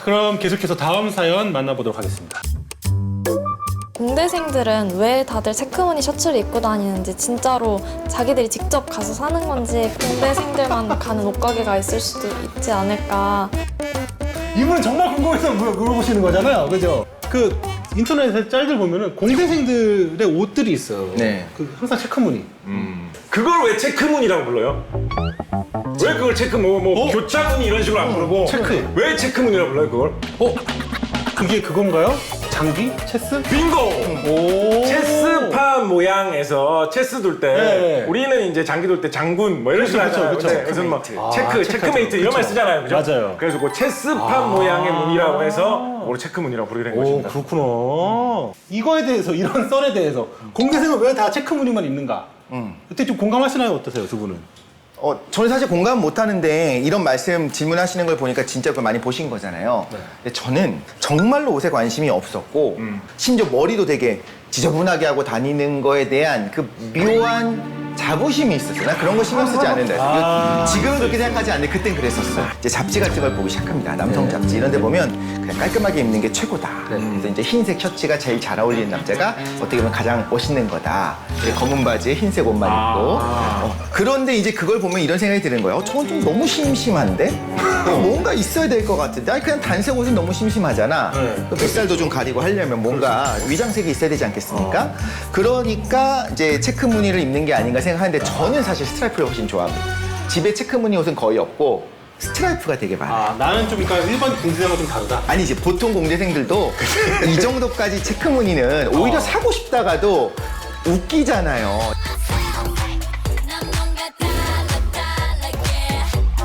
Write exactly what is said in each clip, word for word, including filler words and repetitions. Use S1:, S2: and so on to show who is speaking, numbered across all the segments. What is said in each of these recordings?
S1: 그럼 계속해서 다음 사연 만나보도록 하겠습니다.
S2: 공대생들은 왜 다들 체크무늬 셔츠를 입고 다니는지, 진짜로 자기들이 직접 가서 사는 건지, 공대생들만 가는 옷가게가 있을 수도 있지 않을까.
S1: 이분은 정말 궁금해서 물- 물어보시는 거잖아요, 그죠? 그 인터넷에 짤들 보면은 공대생들의 옷들이 있어요.
S3: 네.
S1: 그 항상 체크무늬.
S4: 음. 그걸 왜 체크무늬라고 불러요? 왜 그걸 체크 뭐, 뭐
S1: 어?
S4: 교차무늬 이런 식으로 안 부르고
S1: 체크.
S4: 왜 체크무늬라고 불러요 그걸?
S1: 어? 그게 그건가요? 장기? 체스?
S4: 빙고!
S1: 오.
S4: 체스판 모양에서 체스 둘 때
S1: 네.
S4: 우리는 이제 장기 둘 때 장군 뭐 이런 식으로
S1: 그쵸,
S4: 하잖아요.
S1: 그쵸,
S4: 근데
S1: 그쵸.
S4: 그래서 뭐
S1: 아,
S4: 체크,
S1: 체크하죠.
S4: 체크메이트 이런 말
S1: 그쵸.
S4: 쓰잖아요. 그죠?
S1: 맞아요.
S4: 그래서 그 체스판
S1: 아.
S4: 모양의 무늬라고 해서 그걸 체크무늬라고 부르게 된
S1: 오,
S4: 것입니다.
S1: 그렇구나. 이거에 대해서, 이런 썰에 대해서 공대생은 왜 다 체크무늬만 입는가?
S3: 음.
S1: 그때 좀 공감하시나요? 어떠세요, 두 분은?
S3: 어, 저는 사실 공감 못 하는데 이런 말씀 질문하시는 걸 보니까 진짜 그걸 많이 보신 거잖아요.
S1: 네.
S3: 근데 저는 정말로 옷에 관심이 없었고
S4: 음.
S3: 심지어 머리도 되게 지저분하게 하고 다니는 거에 대한 그 묘한 자부심이 있었어요. 난 그런 거 신경 쓰지 않는다.
S1: 아.
S3: 지금은 그렇게 생각하지 않는데 그땐 그랬었어. 이제 잡지 같은 걸 보기 시작합니다. 남성 잡지 이런 데 보면 그냥 깔끔하게 입는 게 최고다. 그래서 이제 흰색 셔츠가 제일 잘 어울리는 남자가 어떻게 보면 가장 멋있는 거다. 이제 검은 바지에 흰색 옷만 입고. 어, 그런데 이제 그걸 보면 이런 생각이 드는 거예요. 어, 저건 좀 너무 심심한데? 어, 뭔가 있어야 될 것 같은데? 아니, 그냥 단색 옷은 너무 심심하잖아.
S1: 네.
S3: 그 뱃살도 좀 가리고 하려면 뭔가 위장색이 있어야 되지 않겠습니까? 그러니까 이제 체크 무늬를 입는 게 아닌가 생각하는데 저는 사실 스트라이프를 훨씬 좋아합니다. 집에 체크 무늬 옷은 거의 없고 스트라이프가 되게 많아요.
S1: 아, 나는 좀, 그러니까 일반 공대생과 좀 다르다.
S3: 아니 이제 보통 공대생들도 이 정도까지 체크 무늬는 오히려
S1: 어.
S3: 사고 싶다가도 웃기잖아요.
S5: 난 뭔가 달라 달라게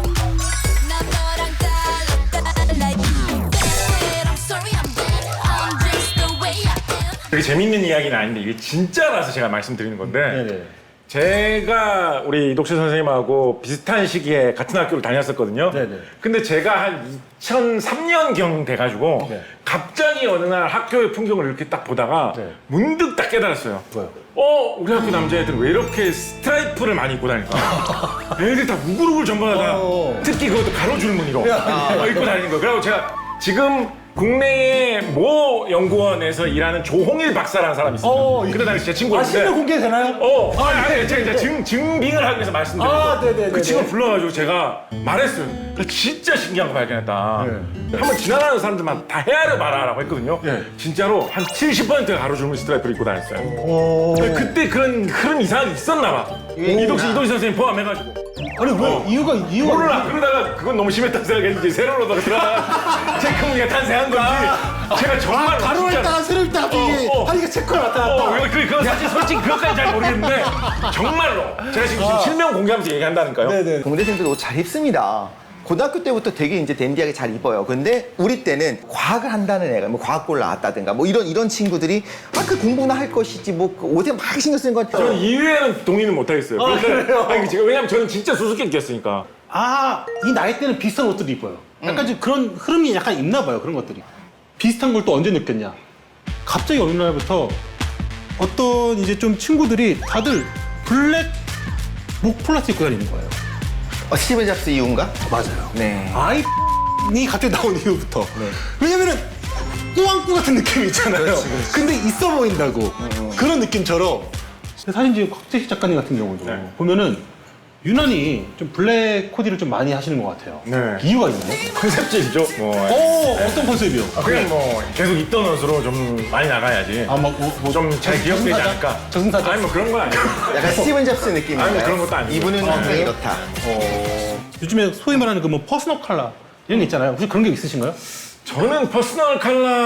S5: 난 너랑 달라 달라 I'm sorry I'm bad I'm just the way I am
S4: 되게 재밌는 이야기는 아닌데 이게 진짜라서 제가 말씀드리는 건데
S1: 네네.
S4: 제가 우리 이독실 선생님하고 비슷한 시기에 같은 학교를 다녔었거든요.
S1: 네네.
S4: 근데 제가 한 이천삼 년경 돼가지고
S1: 네.
S4: 갑자기 어느 날 학교의 풍경을 이렇게 딱 보다가
S1: 네.
S4: 문득 딱 깨달았어요.
S1: 뭐요?
S4: 어, 우리 학교 남자애들은 왜 이렇게 스트라이프를 많이 입고 다닐까? 애들 다 우글우글 전부 다
S1: 어.
S4: 특히 그것도 가로줄무늬로 어, 입고 다니는 거예요. 그리고 제가 지금 국내의 모 연구원에서 일하는 조홍일 박사라는 사람이 있습니다.
S1: 어,
S4: 그때 당시 제
S1: 아,
S4: 친구였는데
S1: 실명 공개되나요?
S4: 어,
S1: 아,
S4: 아니, 아니,
S1: 네,
S4: 제가
S1: 네,
S4: 이제 증, 증빙을 하기 위해서 말씀드린
S1: 아,
S4: 거예요.
S1: 네네네네.
S4: 그 친구 불러가지고 제가 말했어요. 나 진짜 신기한 거 발견했다.
S1: 네.
S4: 한번 지나가는 사람들만 다 헤아려 봐라라고 했거든요.
S1: 네.
S4: 진짜로 한 칠십 퍼센트가 가로줄무늬 스트라이프를 입고 다녔어요.
S1: 오.
S4: 그때 그런 흐름 이상이 있었나 봐. 이독시 이독시 선생님 포함해가지고.
S1: 아니, 왜?
S4: 어.
S1: 이유가, 이유가.
S4: 몰라. 그러다가 그건 너무 심했다고 생각했는지 새로 오다가 들어가 체크무늬가 탄생한 건지 제가 정말
S1: 아, 가로를 따라 세를 따라 이게
S4: 어, 어.
S1: 아, 이게 체크가 나타났다.
S4: 어, 그, 그, 사실 솔직히 그것까지 잘 모르겠는데 정말로 제가 지금, 지금 실명 공개하면서 얘기한다니까요.
S1: 아. 네네.
S3: 공대생들도 옷 잘 입습니다. 고등학교 때부터 되게 이제 댄디하게 잘 입어요. 근데 우리 때는 과학을 한다는 애가 뭐 과학고를 나왔다든가 뭐 이런 이런 친구들이 아 그 공부나 할 것이지 뭐 그 옷에 막 신경 쓰는 건
S4: 저는 이외에는 동의는 못하겠어요.
S1: 아,
S4: 그런데-
S1: 그래요?
S4: 아니, 제가 왜냐면 저는 진짜 수수께끼 였으니까.
S1: 아, 이 나이 때는 비슷한 옷들을 입어요. 약간 좀 그런 흐름이 약간 있나 봐요, 그런 것들이. 비슷한 걸 또 언제 느꼈냐? 갑자기 어느 날부터 어떤 이제 좀 친구들이 다들 블랙 목 폴라스 입고 다니는 거예요.
S3: 어, 스티븐 잡스 이후인가?
S1: 맞아요.
S3: 네.
S1: 아이이 갑자기 나온 이후부터. 왜냐면은 꾸안꾸 같은 느낌이 있잖아요. 근데 있어 보인다고. 그런 느낌처럼. 근데 사실 이제 곽재식 작가님 같은 경우도
S4: 네.
S1: 보면은 유난히 좀 블랙 코디를 좀 많이 하시는 것 같아요.
S4: 네.
S1: 이유가 있나요?
S4: 컨셉질이죠. 뭐.
S1: 오, 어떤 컨셉이요?
S4: 아, 그냥 뭐 계속 입던 옷으로 좀 많이 나가야지.
S1: 아, 막, 뭐, 뭐
S4: 좀 잘 기억되지
S1: 저승사자?
S4: 않을까.
S1: 저승사자?
S4: 아니 뭐 그런 건 아니에요.
S3: 약간 스티븐 잡스 느낌인가요?
S4: 아니, 뭐 그런 것도 아니고.
S3: 이분은
S1: 아,
S3: 항상
S1: 그래요?
S3: 이렇다.
S1: 요즘에 소위 말하는 그 뭐 퍼스널 컬러 이런 게 있잖아요. 혹시 그런 게 있으신가요?
S4: 저는 퍼스널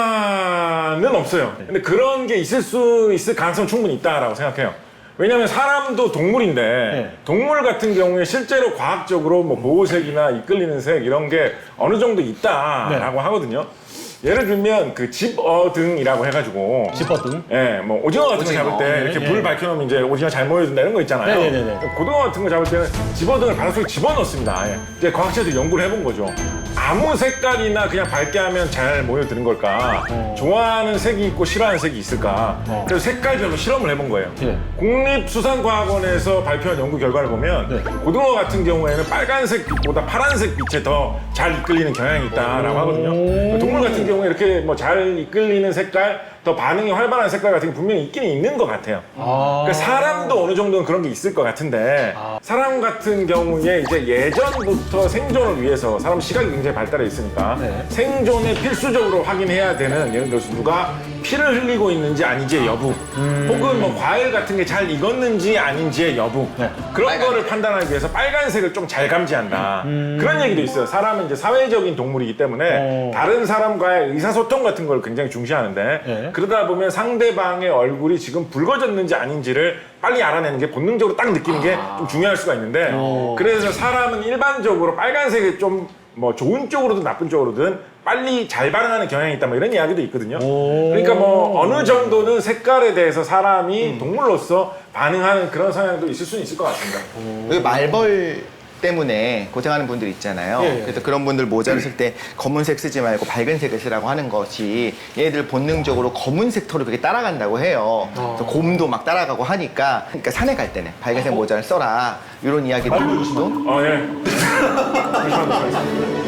S4: 컬러는 없어요. 근데 그런 게 있을 수 있을 가능성 충분히 있다라고 생각해요. 왜냐면 사람도 동물인데
S1: 네.
S4: 동물 같은 경우에 실제로 과학적으로 뭐 보호색이나 이끌리는 색 이런 게 어느 정도 있다라고 하거든요. 예를 들면 그 집어등이라고 해가지고
S1: 지퍼등.
S4: 예, 뭐 오징어 같은 거
S3: 오징어.
S4: 잡을 때
S1: 네,
S4: 이렇게
S1: 네.
S4: 불 밝혀놓으면 이제 오징어 잘 모여든다 이런 거 있잖아요.
S1: 네, 네, 네, 네.
S4: 고등어 같은 거 잡을 때는 집어등을 바닷속에 집어넣습니다. 예. 이제 과학자들이 연구를 해본 거죠. 아무 색깔이나 그냥 밝게 하면 잘 모여드는 걸까?
S1: 어.
S4: 좋아하는 색이 있고 싫어하는 색이 있을까?
S1: 어.
S4: 그래서 색깔별로 실험을 해본 거예요.
S1: 예.
S4: 국립수산과학원에서 발표한 연구 결과를 보면
S1: 네.
S4: 고등어 같은 경우에는 빨간색 빛보다 파란색 빛에 더 잘 이끌리는 경향이 있다라고 하거든요.
S1: 오.
S4: 이렇게 뭐 잘 이끌리는 색깔, 더 반응이 활발한 색깔 같은 게 분명히 있긴 있는 것 같아요.
S1: 아.
S4: 그러니까 사람도 어느 정도는 그런 게 있을 것 같은데 사람 같은 경우에 이제 예전부터 생존을 위해서 사람 시각이 굉장히 발달해 있으니까
S1: 네.
S4: 생존에 필수적으로 확인해야 되는 예를 들어서 누가 피를 흘리고 있는지 아닌지의 여부 혹은 뭐 과일 같은 게 잘 익었는지 아닌지의 여부
S1: 네.
S4: 그런 거를 판단하기 위해서 빨간색을 좀 잘 감지한다 그런 얘기도 있어요. 사람은 이제 사회적인 동물이기 때문에
S1: 어.
S4: 다른 사람과의 의사소통 같은 걸 굉장히 중시하는데
S1: 네.
S4: 그러다 보면 상대방의 얼굴이 지금 붉어졌는지 아닌지를 빨리 알아내는 게 본능적으로 딱 느끼는 게 좀 중요할 수가 있는데 그래서 사람은 일반적으로 빨간색이 좀 뭐 좋은 쪽으로든 나쁜 쪽으로든 빨리 잘 반응하는 경향이 있다 뭐 이런 이야기도 있거든요. 그러니까 뭐 어느 정도는 색깔에 대해서 사람이 동물로서 반응하는 그런 성향도 있을 수는 있을 것 같습니다.
S3: 왜 말벌 때문에 고생하는 분들 있잖아요.
S1: 예, 예.
S3: 그래서 그런 분들 모자를 쓸 때 검은색 쓰지 말고 밝은 색을 쓰라고 하는 것이 얘들 본능적으로 검은색 톤을 그렇게 따라간다고 해요. 그래서 곰도 막 따라가고 하니까 그러니까 산에 갈 때는 밝은색 모자를 써라 이런 이야기도 또
S4: 어, 예. 잠시만요.